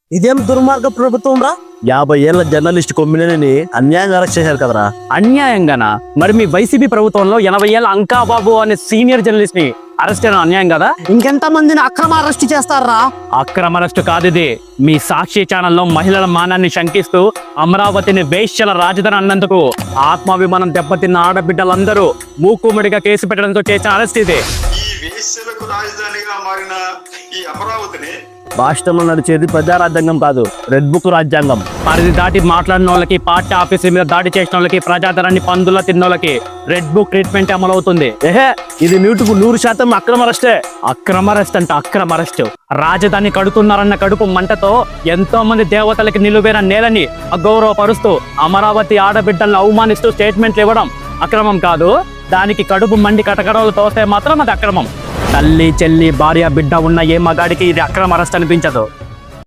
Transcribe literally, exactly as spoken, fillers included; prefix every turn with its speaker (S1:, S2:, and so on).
S1: ఇదేం దుర్మార్గ ప్రభుత్వం రా. యాభై ఏళ్ల జర్నలిస్ట్ కొమ్మినేని అన్యాయంగా అరెస్ట్ చేశారు కదరా.
S2: అన్యాయంగానా? మరి మీ వైసీపీ ప్రభుత్వంలో ఎనభై ఏళ్ళ అంకాబాబు అనే సీనియర్ జర్నలిస్ట్ ని అరెస్ట్ చేయడం అన్యాయం కదా?
S1: ఇంకెంత మందిని అక్రమ అరెస్ట్ చేస్తారా?
S2: అక్రమ అరెస్ట్ కాదు ఇది. మీ సాక్షి ఛానల్లో మహిళల మానాన్ని శంకిస్తూ అమరావతిని వేశ్యల రాజధాని అన్నందుకు ఆత్మాభిమానం దెబ్బతిన్న ఆడబిడ్డలందరూ మూకుమ్మడిగా కేసు పెట్టడంతో చేసిన అరెస్ట్ ఇది.
S3: ఈ వేశ్యలకు రాజధానిగా మారిన ఈ అమరావతిని
S1: రాష్ట్రంలో నడిచేది ప్రజారాజ్యాంగం కాదు, రెడ్ బుక్ రాజ్యాంగం.
S2: పరిధి దాటి మాట్లాడిన వాళ్ళకి, పార్టీ ఆఫీసుల మీద దాడి చేసిన వాళ్ళకి, ప్రజాధనాన్ని పందుల తిన్నోళ్ళకి రెడ్ బుక్ ట్రీట్మెంట్ అమలవుతుంది.
S1: ఏహే, ఇది నూటుకు నూరు శాతం అక్రమ అరెస్టే.
S2: అక్రమ అరెస్ట్ అంటే అక్రమ అరెస్ట్. రాజధాని కడుతున్నారన్న కడుపు మంటతో ఎంతో మంది దేవతలకి నిలువైన నేలని అగౌరవపరుస్తూ అమరావతి ఆడబిడ్డలను అవమానిస్తూ స్టేట్మెంట్లు ఇవ్వడం అక్రమం కాదు. దానికి కడుపు మండి కటకడలు తోస్తే మాత్రం అది అక్రమం. తల్లి చెల్లి భార్య బిడ్డ ఉన్న ఏ మగాడికి ఇది అక్రమ అరెస్ట్ అనిపించదు.